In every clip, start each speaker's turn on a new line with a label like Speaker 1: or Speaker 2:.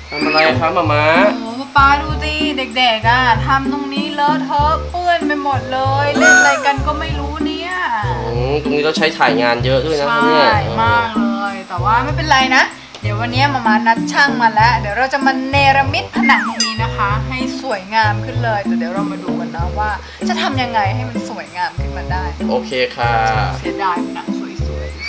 Speaker 1: ทำอะไรครับหมา
Speaker 2: โอ้ป๊าดูสิเด็กๆอ่ะทำตรงนี้เลอะเทอะเปื้อนไปหมดเลยเล่นอะไรกันก็ไม่รู้เนี่ย
Speaker 1: ตรงนี้เราใช้ถ่ายงานเยอะด้วยนะ
Speaker 2: ใช่
Speaker 1: เนี่ย
Speaker 2: มากเลยแต่ว่าไม่เป็นไรนะเดี๋ยววันนี้มานัดช่างมาแล้วเดี๋ยวเราจะมาเนรมิตผนังตรงนี้นะคะ ให้สวยงามขึ้นเลยแต่เดี๋ยวเรามาดูกันนะว่าจะทำยังไงให้มันสวยงามขึ้นมาได้
Speaker 1: โอเคค่ะ
Speaker 2: เสียดายผนังสวยๆ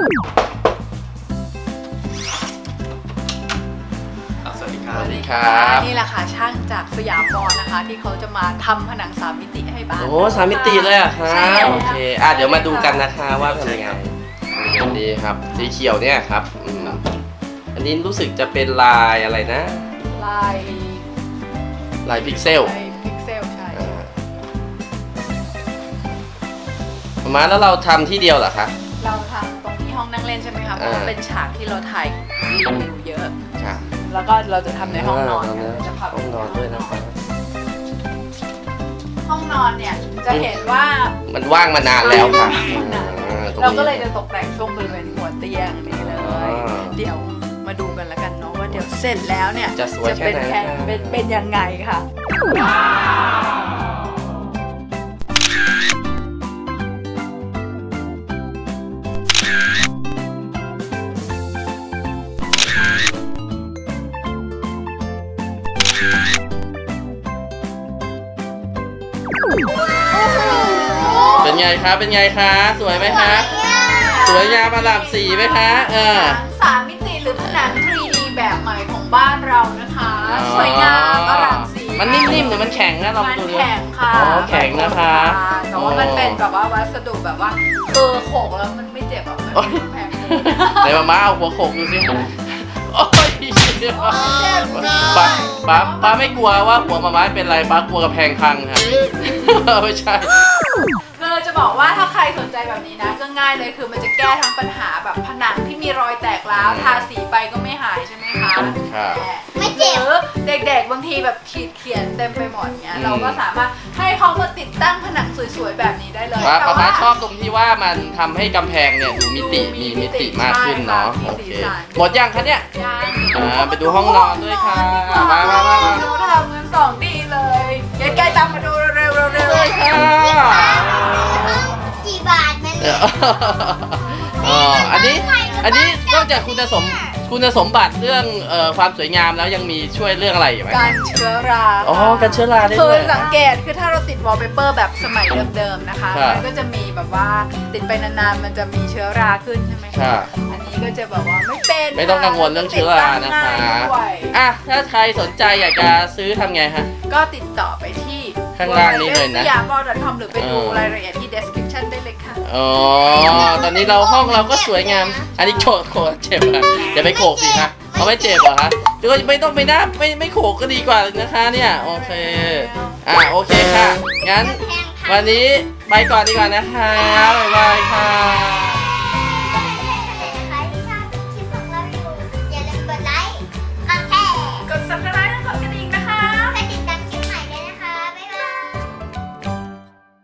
Speaker 1: สวัสดีครับ
Speaker 2: นี่แหละค่ะช่างจากสยามบอลนะคะที่เขาจะมาทำผนัง3 มิติให้บ้าน
Speaker 1: โอ้3 มิติเลยอะคะ
Speaker 2: ใช่
Speaker 1: โอเคเดี๋ยวมาดูกันนะคะว่าทำยังไงดีครับสีเขียวเนี่ยครับอันนี้รู้สึกจะเป็นลายอะไรนะลายพิกเซล
Speaker 2: ใช่
Speaker 1: มาแล้วเราทำที่เดียวเหรอคะ
Speaker 2: เราทำตรงที่ห้องนั่งเล่นใช่ไหมคะเพราะว่าเป็นฉากที่เราถ่ายรีวิวเยอะแล้วก็เราจะทำในห้องนอนจะพาไป
Speaker 1: ห้องนอนด้วยนะครับ
Speaker 2: ห้องนอนเนี่ยจะเห็นว่า
Speaker 1: มันว่างมานานแล้วค่ะ
Speaker 2: เราก็เลยจะตกแต่งช่วงบริเวณหัวเตียงนี่เลยเดี๋ยวมาดูกันแล้วกันเนาะว่าเดี๋ยวเสร็จแล้วเนี่ย
Speaker 1: จะสวยแค่ไหน
Speaker 2: เป็นยังไงค่ะ
Speaker 1: เป็นไงคะเป็นไงคะสวยไหมคะสวยงามอร่ามสีไหมคะ
Speaker 2: 3 มิติหรือผนัง 3D แบบใหม่ของบ้านเรานะคะสวยงามอร่ามสี
Speaker 1: มันนิ่มๆหรือมันแข็งนะลองดู
Speaker 2: มันแข็งค่ะ
Speaker 1: แข็งนะคะ
Speaker 2: แต่ว่ามันเป็นแบบว่าวัสดุแบบว่าโขกแล้วมันไม่เจ็บอ่ะมันแข็ง
Speaker 1: ไหนมาเอาหัวโขกดูสิโอ้ยป้าไม่กลัวว่าหัวมาม้าเป็นไรป้ากลัวกระแพงพังค่ะไม่ใช่
Speaker 2: คือจะบอกว่าถ้าใครสนใจแบบนี้นะก็ง่ายเลยคือมันจะแก้ทั้งปัญหาแบบผนังที่มีรอยแตกร้าวทาสีไปก็ไม่หายใช่ไหมคะ
Speaker 3: ไม่เจ็บ
Speaker 2: เด็กๆบางทีแบบขีดเขียนเต็มไปหมดเนี้ยเราก็สามารถให้เขามาติดตั้งผนังสวยๆแบบนี้ได้เลย
Speaker 1: แต่ว่าชอบตรงที่ว่ามันทำให้กำแพงเนี่ยดูมีมิติมากขึ้นเนาะโอเคหมดยังคะเนี่ยยังไปดูห้องนอนด้วยค่ะมา
Speaker 2: เราทำกัน2 ดีเลยใกล้ๆตามมาดูเร็ว
Speaker 1: เลยค่ะ
Speaker 3: กี่บาทมัน
Speaker 1: อันนี้นอกจากคุณสมบัติเรื่องความสวยงามแล้วยังมีช่วยเรื่องอะไรอยู่ไหม
Speaker 2: การเชื้อรา
Speaker 1: การเชื้อราได้
Speaker 2: ด้วย
Speaker 1: คือ
Speaker 2: สังเกตคือถ้าเราติดวอลเปเปอร์แบบสมัยเดิมๆนะคะมันก็จะมีแบบว่าติดไปนานๆมันจะมีเชื้อราขึ้นใช่ไหมคะอันนี้ก็จะแบบว่า
Speaker 1: ไม่ต้องกังวลเรื่องเชื้อรานะคะถ้าใครสนใจอยากจะซื้อทำไงฮะ
Speaker 2: ก็ติดต่อไปที่
Speaker 1: ข้างล่างนี้เลยนะ
Speaker 2: siyamball.com หรือไปดูรายละเอียดที่ description ได้เลยค่ะ
Speaker 1: ตอนนี้ห้องเราก็สวยงามอันนี้โขกเจ็บอ่ะอย่าไปโขกสิคะเขาไม่เจ็บเหรอคะหรือว่าไม่ต้องไม่โขกก็ดีกว่านะคะเนี่ยโอเคโอเคค่ะงั้นวันนี้ไปก่อนดีกว่านะคะบ๊ายบายค่ะ